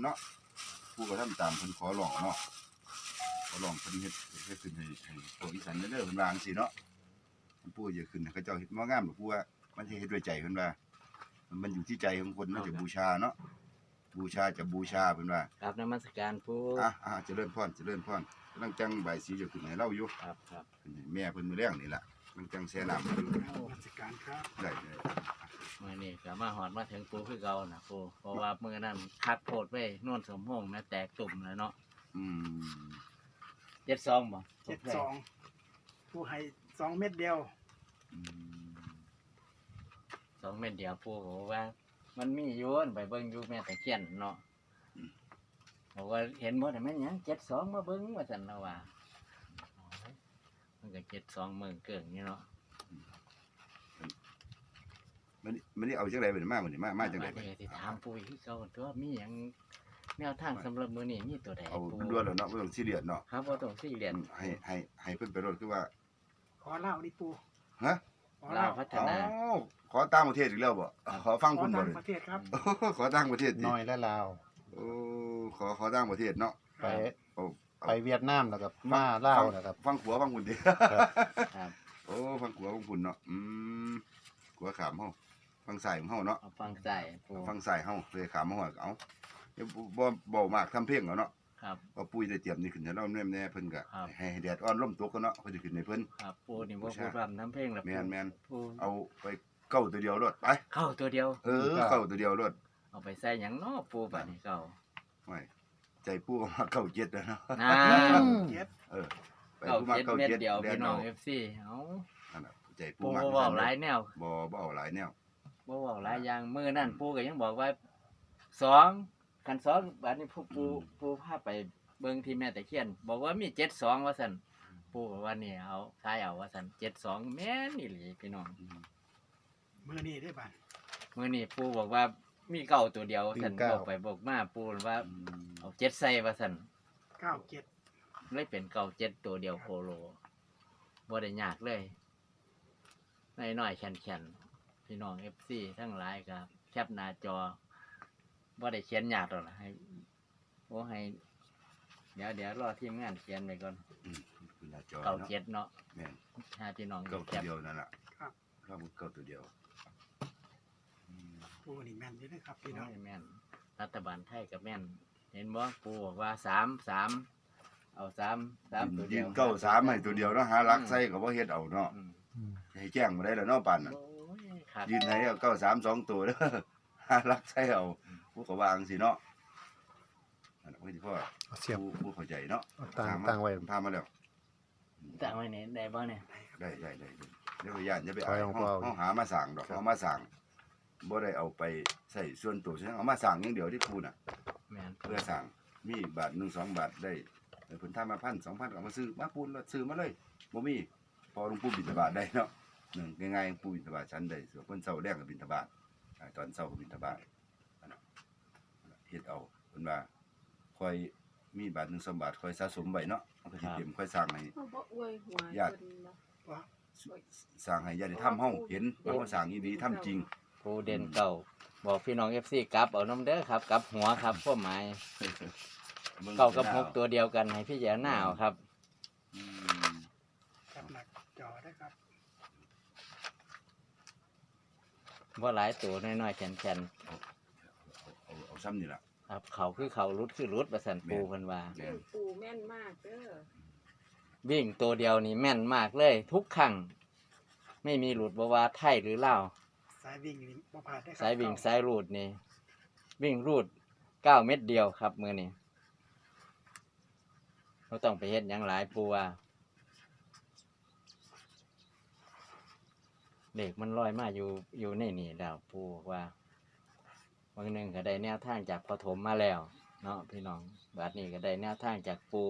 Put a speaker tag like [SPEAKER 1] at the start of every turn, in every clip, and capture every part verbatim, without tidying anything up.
[SPEAKER 1] เนาะผู้ก็ทำตามเพิ่นขอร้องเนาะขอร้องเพิ่นเฮ็ดเฮ็ดขึ้นให้ให้ตัวอีสานเด้อเพิ่นว่าจังซี่เนาะผู้อย่าขึ้นเขาเจ้าเฮ็ดบ่งามหรอกผู้ว่ามันสิเฮ็ดด้วยใจเพิ่นว่ามันอยู่ที่ใจของคนมันจะบูชาเนาะบูชาจะบูชาเพิ่นว่า
[SPEAKER 2] ครับนมัสการปู่
[SPEAKER 1] อ่ะอ่ะเจริญพรเจริญพรกำลังจังใบสีจะขึ้นให้เราอยู่
[SPEAKER 2] ครับครับ
[SPEAKER 1] แม่เพิ่นมื้อแรงนี่ล่ะกำลังจังแช่น้ำอยู่
[SPEAKER 3] นมัสการครับ
[SPEAKER 1] ได้ได้
[SPEAKER 2] มื้อนี้ก็มาฮอดมาถึงปู่คือเก่าน่ะปู่เพราะว่ามื้อนั้นคักโพดไว้โน่นสมพงษ์แม่แตกตุ่มแล้วเนาะ
[SPEAKER 1] อืม
[SPEAKER 2] เจ็ดสองบ่
[SPEAKER 3] เจ็ดสองผู้ให้สองเม็ดเดียว
[SPEAKER 1] อืม
[SPEAKER 2] สองเม็ดเดียวปู่บอกว่ามันมีอยู่ไปเบิ่งอยู่แม่ตะเคียนเนาะบอกว่าเห็นบ่ได้แม่นหยังเจ็ดสองมาเบิ่งว่าซั่นแล้วว่ามันก็เจ็ดสองมื้อเกิงนี่เนาะ
[SPEAKER 1] มันมันนี่เอาจังได๋บัดนี้มาบัดนี้มามาจังได๋บัดนี้
[SPEAKER 2] สิถามปู่คือเก่าตัวมีหยังแนวทางสำหรับมื้อนี้มีตัวใด
[SPEAKER 1] เอา
[SPEAKER 2] ปู่
[SPEAKER 1] ด่วนแล้วเนาะบ่ต้องซีเรียสเนาะ
[SPEAKER 2] ครับบ่ต้องซีเรียส
[SPEAKER 1] ให้ให้ให้เพิ่นไปรถคือว่า
[SPEAKER 3] ขอเล่าดิปู
[SPEAKER 1] ฮะ
[SPEAKER 3] ขอ
[SPEAKER 2] ลา
[SPEAKER 3] เล่าว
[SPEAKER 2] พัฒ
[SPEAKER 1] อ๋อ
[SPEAKER 2] นา
[SPEAKER 1] ขอต่างประเทศอีกแล้วบ่ขอฟัง
[SPEAKER 3] ขอ
[SPEAKER 1] คุณบ่
[SPEAKER 3] ต่าง
[SPEAKER 1] เลย
[SPEAKER 3] ประเทศครับ
[SPEAKER 1] ขอต่างประเทศ
[SPEAKER 4] น้อยและลาว
[SPEAKER 1] โอ้ขอขอต่างประเทศเนาะ
[SPEAKER 4] ไป
[SPEAKER 1] โอ้
[SPEAKER 4] ไปเวียดนามแล้วก็มาลาวนะครับ
[SPEAKER 1] ฟังขัวฟังคุณดิ
[SPEAKER 2] ครับ
[SPEAKER 1] โอ้ฟังขัวฟังคุณเนาะอืมขัวขามเฮาฟังสายของเฮาเนาะ
[SPEAKER 2] เอาฟังใส่ปู่
[SPEAKER 1] ฟังสายเฮาเลยขามมาฮอดเอาเดี๋ยวบ่บ่มากทำเพลงเอาเนาะ
[SPEAKER 2] ครับ
[SPEAKER 1] เอาปุ้ยได้เตรียมนี่ขึ้นให้เราแน่ๆเพิ่นก็
[SPEAKER 2] ครับ
[SPEAKER 1] ให้แดดอ่อนลมตกกันเนาะเพิ่นสิขึ้นให้เพิ่น
[SPEAKER 2] ครับปู่นี่บ่พูดรำทำเพลงแล้ว
[SPEAKER 1] แม่นแม่น
[SPEAKER 2] ปู่
[SPEAKER 1] เอาไปเก้าตัวเดียวรถไป
[SPEAKER 2] เข้าตัวเดียว
[SPEAKER 1] เออเก้าตัวเดียวรถ
[SPEAKER 2] เอาไปใส่หยังเนาะปู่บัดนี้เก่า
[SPEAKER 1] ไม่ใจปูก็มาเก้าเจ็ดแล้วเนาะ
[SPEAKER 2] น้า
[SPEAKER 3] เจ็ด
[SPEAKER 1] เออไป
[SPEAKER 2] เก่า
[SPEAKER 1] ปูมา
[SPEAKER 2] เจ็ด
[SPEAKER 1] เก้า
[SPEAKER 2] เม็ด
[SPEAKER 1] เจ็ด
[SPEAKER 2] เดียว
[SPEAKER 1] แล้
[SPEAKER 2] พี่น้อง
[SPEAKER 1] เนาะ
[SPEAKER 2] เอฟซีเอ้า
[SPEAKER 1] นั่นน่ะใจปู
[SPEAKER 2] ปู่
[SPEAKER 1] มา
[SPEAKER 2] บ่เว้าหลายแนว
[SPEAKER 1] บ่บ่เอาหลายแนว
[SPEAKER 2] บ่เว้าหลายอย่างมื้อนั้นปู่ก็ยังบอกว่าสองคันสองบัดนี้ปู่ปู่ปู่พาไปเบิ่งที่แม่ตะเคียนบอกว่ามีเจ็ดสองว่าซั่นปู่บอกว่านี่เอาทายเอาว่าซั่นเจ็ดสองแม่นอีหลีพี่น้อง
[SPEAKER 3] มือนี้ได้บ้าน
[SPEAKER 2] มื้อนี้ปู่บอกว่ามีเก่าตัวเดียวซั่น
[SPEAKER 4] มีเก้า
[SPEAKER 2] บอกไปบอกมาปู่ว่า
[SPEAKER 1] อืม
[SPEAKER 2] เอาเจ็ดใส่ว่าซั่น
[SPEAKER 3] เก้าเจ็ด
[SPEAKER 2] เลยเป็นเก่าเจ็ดตัวเดียวโคโลบ่ได้ยากเลยน้อยๆแข็งๆพี่น้อง เอฟ ซี ทั้งหลายครับแคปหน้าจอบ่ได้เขียนยากหรอกนะให้โอ้ให้เดี๋ยวเดี๋ยวรอทีมงานเขียนไปก่อน
[SPEAKER 1] อืมคือหน้าจอ
[SPEAKER 2] เก่า
[SPEAKER 1] เนาะ
[SPEAKER 2] เจ็ดเนาะ
[SPEAKER 1] แม่น
[SPEAKER 2] ถ้าพี่น้อง
[SPEAKER 1] เก้า
[SPEAKER 2] แค
[SPEAKER 1] ตัว
[SPEAKER 2] ป
[SPEAKER 1] เดียวนั่นล่ะ
[SPEAKER 3] ครับ
[SPEAKER 1] ครับเก้าตัวเดียวอืม
[SPEAKER 3] ปูนี่แม่นอยู่นะครับพี่น้อง
[SPEAKER 2] โอ้ยแม่นรัฐบาลไทยกับแม่น เห็นบ่ปู่บอกว่าสามสามเอาสามสามตัวเดี
[SPEAKER 1] ยิ
[SPEAKER 2] ยว
[SPEAKER 1] งเก้าสามให้ตัวเดียวเนาะหารักใส่ก็บ่เฮ็ดเอาเนาะ
[SPEAKER 2] อืม
[SPEAKER 1] ให้แจ้งบ่ได้แล้วเนาะปานน่ะ
[SPEAKER 2] โอ้ยครับ
[SPEAKER 1] ยืนให้เอาเก้าสามสองตัวเด้อ หารักใส่เอาผู้ก็วาจั่งสิเนาะนั่นน่ะเพิ่นสิพ่อ
[SPEAKER 4] เอาเสียบ
[SPEAKER 1] ผู้ผู้เข้าใจเนาะ
[SPEAKER 4] เอาตั้ง
[SPEAKER 1] ถามมา
[SPEAKER 4] ตั้งไว้
[SPEAKER 1] พามาแล้ว
[SPEAKER 2] ตั้งไว้ไหนได้บ่เนี่ย
[SPEAKER 1] ได้ได้ได้ได้เดี๋ยวย่านจะไป
[SPEAKER 4] ถอย
[SPEAKER 1] เอา
[SPEAKER 4] ออก
[SPEAKER 1] เฮา
[SPEAKER 4] เปล่า
[SPEAKER 1] เฮาหามาสั่งดอก
[SPEAKER 4] ครับ
[SPEAKER 1] เอามาสั่งบ่ได้เอาไปใส่ส่วนตัวใช่เอามาสั่งอย่างเดียวที่พูน่ะ
[SPEAKER 2] แม่น
[SPEAKER 1] เพื่อสั่งมีบาทหนึ่งสองบาทได้เพิ่นทำมาพันสองพันก็เอามาซื้อมาปูนแล้วซื้อมาเลยบ่มีพอหลวงปู่บิณฑบาตได้เนาะหนึ่งง่ายๆหลวงปู่บิณฑบาตชั้นได้ส่วนเพิ่นเช้าแรกก็บิณฑบาตอ่าตอนเช้าก็บิณฑบาตอันนั้นเฮ็ดเอาเพิ่นว่าค่อยมีบาทหนึ่งสองบาทค่อยสะสมไว้เนาะมันก็สิเตรียมค่อยสร้างให้
[SPEAKER 5] เขาบอกอวยหัว
[SPEAKER 1] ญาติ
[SPEAKER 5] คนเนาะ
[SPEAKER 3] ว่า
[SPEAKER 1] สร้างให้ญาติธรรมเฮาเห็นว่าเฮาสร้างอีหลีทำจริง
[SPEAKER 2] ผู้เด่นเก่าบอกพี่น้อง เอฟ ซี กลับเอาน้ำเด้อครับกลับหัวครับพวกหมายเก่ากับหกตัวเดียวกันให้พี่แย่หน้าเอาครับ
[SPEAKER 1] อืม
[SPEAKER 3] แคปหนักจอได้ครับ
[SPEAKER 2] ว่าหลายตัวน้อยๆแข็ง
[SPEAKER 1] เอาเอาเอาซ้ำนี่ล่ะ
[SPEAKER 2] ๆครับเขาคือเขารุดคือรุดประสันปูเพิ่นว่า
[SPEAKER 1] แม่น
[SPEAKER 5] ปู่แม่นมากเด้อ
[SPEAKER 2] วิ่งตัวเดียวนี่แม่นมากเลย ทุกครั้งไม่มีหลุดบ่ว่าไทยหรือลาว
[SPEAKER 3] สายวิ่งนี่บ่ผ่านได้ครับ
[SPEAKER 2] สายวิ่งสายรูดนี่วิ่งรูดเก้าเม็ดเดียวครับมื้อนี้เราต้องไปเฮ็ดหยังหลายปูว่าเด็กมันลอยมาอยู่อยู่ในนี่แล้วปูบอกว่าบางหนึ่งก็ได้แนวทางจากปฐมมาแล้วเนาะพี่น้องบัดนี้ก็ได้แนวทางจากปู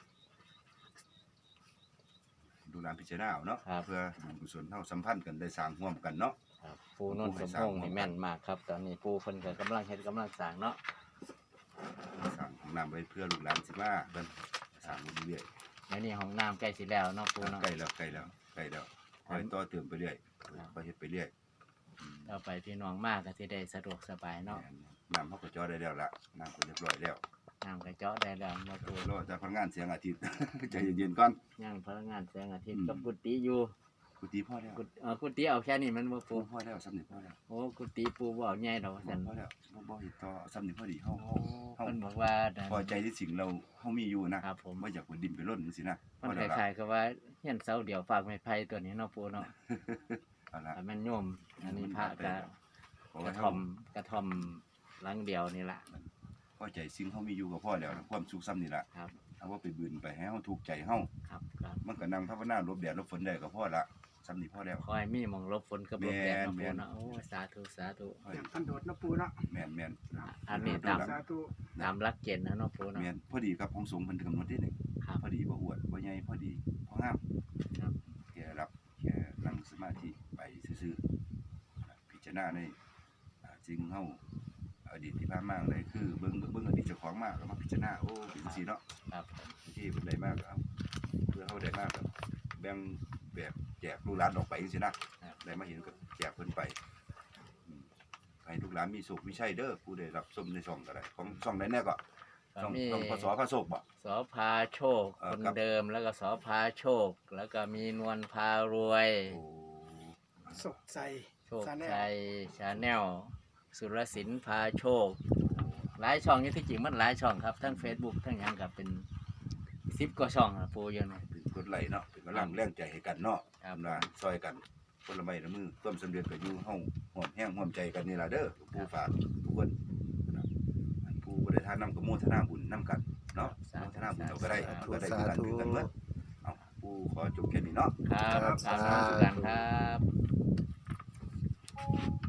[SPEAKER 1] ดูแลพิจารณาเอาเนาะ
[SPEAKER 2] ครับ
[SPEAKER 1] เพื่อบุญกุศลเฮาสัมพันธ์กันได้สร้างร่วมกันเนาะ
[SPEAKER 2] ครับปูนนท์สมพงษ์นี่แม่นมากครับ ตอนนี้ปูเพิ่นก็กำลังเฮ็ดกำลังสร้างเนาะ
[SPEAKER 1] สร้างของน้ำไว้เพื่อลูกหลานสิมาเพิ่นสร้างเรื่อย
[SPEAKER 2] เดี๋ยวนี้ห้องน้ำใกล้สิแล้วเนาะปู
[SPEAKER 1] ๆ
[SPEAKER 2] เนาะ
[SPEAKER 1] ใกล้แล้วใกล้แล้วใกล้แล้วคอยต่อเติมไปเรื่อยคอยเฮ็ดไปเรื่อยอืม
[SPEAKER 2] ต่อไปพี่น้องมากก็สิได้สะดวกสบายเนาะ
[SPEAKER 1] แม่นน้ำเขาก็เจาะได้แล้วละน้ำก็เรียบร้อยแล้ว
[SPEAKER 2] น้ำกระเจาะได้แล้วมาปู
[SPEAKER 1] รอจากพนักงานเสียงอาทิตย์ ใจเย็นๆก่อน
[SPEAKER 2] ย่างพลังงานแสงอาทิตย์
[SPEAKER 1] อืม
[SPEAKER 2] กับกุฏิอยู่
[SPEAKER 1] กุฏิพ่อแล้ว
[SPEAKER 2] กุฏเออกุฏิเอาแค่นี้มันบ่
[SPEAKER 1] ปู
[SPEAKER 2] ปู
[SPEAKER 1] พ่อแล้วสำนึกพ่อแล้ว
[SPEAKER 2] โอ้กุฏิปูบ่เอาใหญ่ดอกว่าซั่น
[SPEAKER 1] พ่อแล้วบ่บ่เฮ็ดต่อสำนึกพอดีเฮา
[SPEAKER 2] โอ้เพิ่นบอกว่านั่น
[SPEAKER 1] พอใจที่สิ่งเราเฮามีอยู่นะครับ
[SPEAKER 2] ผม
[SPEAKER 1] บ่อยากไปดินไปร่นจังซี่นะ
[SPEAKER 2] มัน
[SPEAKER 1] พ
[SPEAKER 2] ค
[SPEAKER 1] อแล้วล่ะ
[SPEAKER 2] ล้ายๆกับว่าเฮียนเสาเดียวฝากไม้ไผ่ตัวนี้เนาะปูเนาะ
[SPEAKER 1] เอาละ
[SPEAKER 2] แต่มันโยมอันนี้พระกะ
[SPEAKER 1] เพราะ
[SPEAKER 2] ก
[SPEAKER 1] ว่า
[SPEAKER 2] ระ
[SPEAKER 1] เฮา
[SPEAKER 2] ท่อมกระท่อมหลังเดียวนี่ล่ะ
[SPEAKER 1] พอใจสิ่งเฮามีอยู่ก็พอแล้วนะความสุขซ้ำนี่ล่ะ
[SPEAKER 2] ครับ
[SPEAKER 1] เอาว่าไปบืนไปให้เฮาถูกใจเฮา
[SPEAKER 2] ครับครับ
[SPEAKER 1] มันก็นั่งภาวนาหลบแดดหลบฝนได้ก็พอละซ้ำนี่พอแล้ว
[SPEAKER 2] ขอให้มีหมองหลบฝนกับหลบแดดเนาะ
[SPEAKER 1] แม่
[SPEAKER 2] ปู
[SPEAKER 1] น
[SPEAKER 2] เนาะโอ้สาธุสาธุ
[SPEAKER 3] อย่างทันโดดนะปูเนาะ
[SPEAKER 1] แม่นแม่น
[SPEAKER 2] อันนี้ตาม
[SPEAKER 3] สาธุ
[SPEAKER 2] ตามหลักเกณฑ์นะเนาะปูเนาะ
[SPEAKER 1] แม่นพอดีกับของสงฆ์เพิ่นกำหนดที่นี่
[SPEAKER 2] ครับ
[SPEAKER 1] พอดีบ่อวดบ่ใหญ่พอดีพองาม
[SPEAKER 2] ครับ
[SPEAKER 1] แค่รับแค่นั่งสมาธิไปซื่อๆพิจารณาในอ่าสิ่งเฮาอดีตที่ผ่านมาเลยคือเบิ่งเบิ่งอดีตเจ้าของมาก็มาพิจารณาโอ้เป็นจังซี่เนาะ
[SPEAKER 2] ครับ
[SPEAKER 1] ที่เพิ่นได้มากครับเพื่อเฮาได้มากครับแบ่งแบบแจกลูกหลานออกไปจังซี่นะได้มาเห็นก็แจกเพิ่นไปอืมให้ลูกหลานมีสุขมีชัยเด้อผู้ได้รับชมในช่องก็ได้ของช่องไหนแน่ก็
[SPEAKER 2] ก็
[SPEAKER 1] ช่อง
[SPEAKER 2] มี
[SPEAKER 1] ช่องพศพระโศกบ่
[SPEAKER 2] สอพาโชค
[SPEAKER 1] เอ่อ
[SPEAKER 2] คน
[SPEAKER 1] ครับ
[SPEAKER 2] เดิมแล้วก็สอพาโชค แล้วก็มีนวลพารวย
[SPEAKER 1] โอ้
[SPEAKER 3] สกใจ
[SPEAKER 2] โชค
[SPEAKER 3] ชาแนล
[SPEAKER 2] ชัยชาแนลสุรศิลป์พาโชค หลายช่องอยู่ที่จริงมันหลายช่องครับ ทั้ง Facebook ทั้งหยังกับเป็นสิบกว่าช่องอะปูอยู่นะ
[SPEAKER 1] เป็นกดไลค์เนาะเป็นกำลังแรงใจให้กันเนาะ
[SPEAKER 2] ครับ
[SPEAKER 1] นะซอยกันคนละไม้ละมือต้มสำเร็จก็อยู่เฮาหอมแห้งหอมใจกันนี่ล่ะเด้อผู้ฝากทุกคนนะอันผู้บ่ได้ทานน้ำก็โมทนาบุญนํกันเนาะโมทนาบุญเราก็ได้เราก็ได้คือกันคือกันเบิดเอาผู้ขอจบแค่นี้เนาะ
[SPEAKER 2] ครับ
[SPEAKER 3] ครับ
[SPEAKER 2] สาธุกันครับ